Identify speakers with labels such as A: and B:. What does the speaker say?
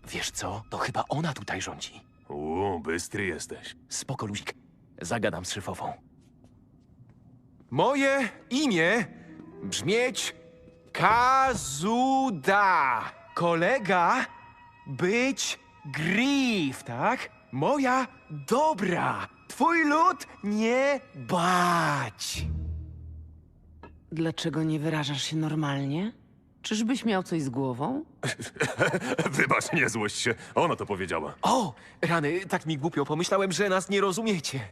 A: Wiesz co? To chyba ona tutaj rządzi.
B: Bystry jesteś.
A: Spoko, luzik. Zagadam z szefową. Moje imię brzmieć Kazuda. Kolega być Griff, tak? Moja dobra. Twój lud nie bać.
C: Dlaczego nie wyrażasz się normalnie? Czyżbyś miał coś z głową?
B: Wybacz, nie złość się. Ona to powiedziała.
A: O, rany, tak mi głupio. Pomyślałem, że nas nie rozumiecie.